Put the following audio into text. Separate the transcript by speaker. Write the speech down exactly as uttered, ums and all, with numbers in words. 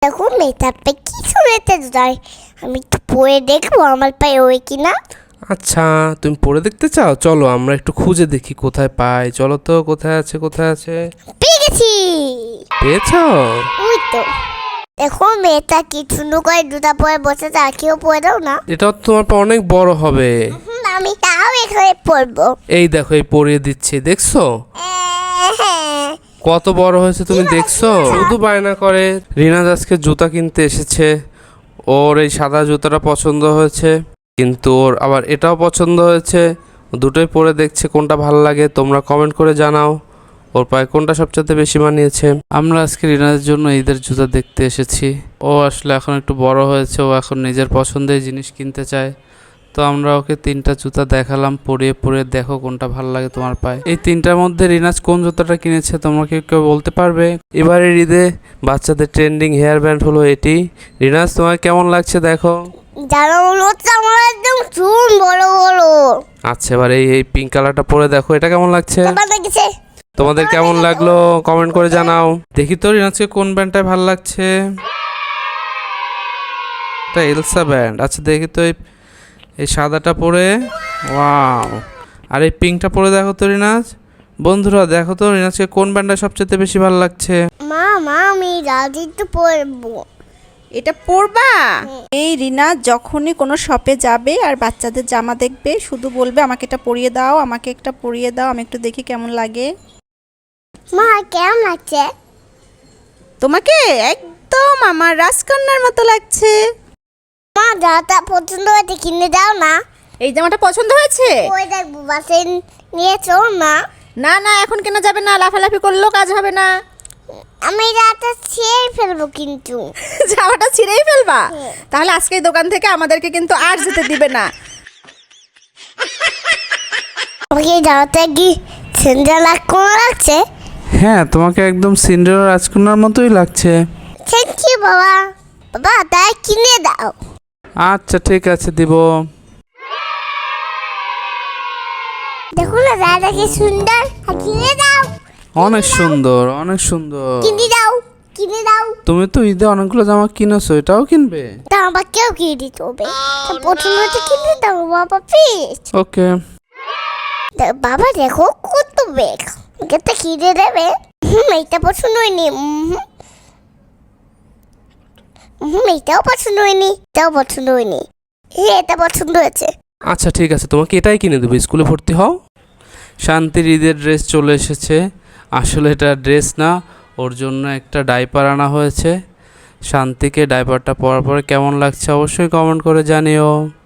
Speaker 1: দেখুন মেয়েটার পায়ে কি শুনেতে যায়, আমি একটু পরে দেখবো আমার পায়ে ওই কিনা।
Speaker 2: আচ্ছা তুমি পরে দেখতে চাও, চলো আমরা একটু খুঁজে দেখি কোথায় পাই। চলো তো, কোথায় আছে কোথায় আছে।
Speaker 1: পেয়ে গেছি।
Speaker 2: পেয়েছো?
Speaker 1: ওই তো দেখো মেয়েটা কি সুন্দর করে জুতা পরে বসেছে, আর কেউ পরে দাও না।
Speaker 2: এটা তো তোমার পা অনেক বড় হবে।
Speaker 1: হুম, আমি তাও এখানে পরবো।
Speaker 2: এই দেখো, এই পরিয়ে দিচ্ছি, দেখছো
Speaker 1: হ্যাঁ,
Speaker 2: কত বড় হয়েছে, তুমি দেখছো? শুধু বায়না করে। রিনাজ আজকে জুতা কিনতে এসেছে, ওর এই সাদা জুতাটা পছন্দ হয়েছে, কিন্তু ওর আবার এটাও পছন্দ হয়েছে। দুটোই পরে দেখছে কোনটা ভালো লাগে। তোমরা কমেন্ট করে জানাও ওর পায়ে কোনটা সবচেয়ে বেশি মানিয়েছে। আমরা আজকে রিনাজের জন্য ঈদের জুতা দেখতে এসেছি। ও আসলে এখন একটু বড় হয়েছে, ও এখন নিজের পছন্দের জিনিস কিনতে চায়। তো আমরা ওকে তিনটা জুতা দেখালাম, পরিয়ে পরিয়ে দেখো কোনটা ভালো লাগে তোমার পায়ে। এই তিনটার মধ্যে রিনাজ কোন জুতাটা কিনেছে তোমরা কি কেউ বলতে পারবে? এবারের ঈদে বাচ্চাদের ট্রেন্ডিং হেয়ার ব্যান্ড হলো এটি। রিনাজ তোমার কেমন লাগছে দেখো।
Speaker 1: যারা মনে হচ্ছে আমার একদম চুল বড় বড়।
Speaker 2: আচ্ছা, এবার এই এই পিঙ্ক কালারটা পরে দেখো, এটা কেমন লাগছে?
Speaker 1: তোমার লাগছে?
Speaker 2: তোমাদের কেমন লাগলো কমেন্ট করে জানাও। দেখি তো রিনাজকে কোন ব্যান্ডটা ভালো লাগছে। এটা এলসা ব্যান্ড। আচ্ছা দেখি তো, এই এই সাদাটা পরে, ওয়াও। আর এই পিঙ্কটা পরে দেখো তো রিনাজ। বন্ধুরা দেখো তো রিনাজকে কোন ব্যান্ডটা সবচেয়ে বেশি ভালো লাগছে।
Speaker 1: মা মা আমি রাজি তো পরবো।
Speaker 3: এটা পরবা? এই রিনা যখনই কোনো শপে যাবে আর বাচ্চাদের জামা দেখবে শুধু বলবে আমাকে এটা পরিয়ে দাও, আমাকে একটা পরিয়ে দাও, আমি একটু দেখি কেমন লাগে।
Speaker 1: মা কেমন লাগছে?
Speaker 3: তোমাকে একদম আমার রাজকন্যার মতো লাগছে।
Speaker 1: মা যাটা পছন্দ হয়েছে কিনে দাও না।
Speaker 3: এই জামাটা পছন্দ হয়েছে?
Speaker 1: ওই দেখবো বাসে নিয়ে চল না।
Speaker 3: না না এখন কেনা যাবে না, লাফালাফি করলেও কাজ হবে না।
Speaker 1: আমি রাতে ছিঁড়ে ফেলবো কিন্তু।
Speaker 3: জামাটা ছিঁড়েই ফেলবা? তাহলে আজকে এই দোকান থেকে আমাদেরকে কিন্তু আর যেতে দিবে না।
Speaker 1: আমাকে যাওয়াতে কি সিন্ডারেলা কোন লাগছে?
Speaker 2: হ্যাঁ, তোমাকে একদম সিন্ডারেলা রাজকন্যার মতোই লাগছে।
Speaker 1: থ্যাংক ইউ বাবা। বাবা তাই কিনে দাও।
Speaker 2: আচ্ছা ঠিক আছে, দিব।
Speaker 1: দেখো না দাদা কি সুন্দর, আর কিনে দাও।
Speaker 2: অনেক সুন্দর, অনেক সুন্দর।
Speaker 1: কিনে দাও, কিনে দাও।
Speaker 2: তুমি তো ঈদে অনেকগুলো জামা কিনেছো, এটাও কিনবে?
Speaker 1: তা আমাকেও কিনে দিতে হবে। তা প্রথমে তো কিনে দাও বাবা প্লিজ।
Speaker 2: ওকে।
Speaker 1: বাবা দেখো কত বেগ, এটা কিনে দেবে? হুম এইটা পছন্দ হয়নি। হুম এইটাও পছন্দ হয়নি, এটাও পছন্দ হয়নি। এ এটা পছন্দ হয়েছে।
Speaker 2: আচ্ছা ঠিক আছে, তোমাকে এটাই কিনে দেবো, স্কুলে ভর্তি হও। শান্তির ঈদের ড্রেস চলে এসেছে। আসলে এটা ড্রেস না, ওর জন্য একটা ডাইপার আনা হয়েছে। শান্তিকে ডাইপারটা পরার পরে কেমন লাগছে অবশ্যই কমেন্ট করে জানিও।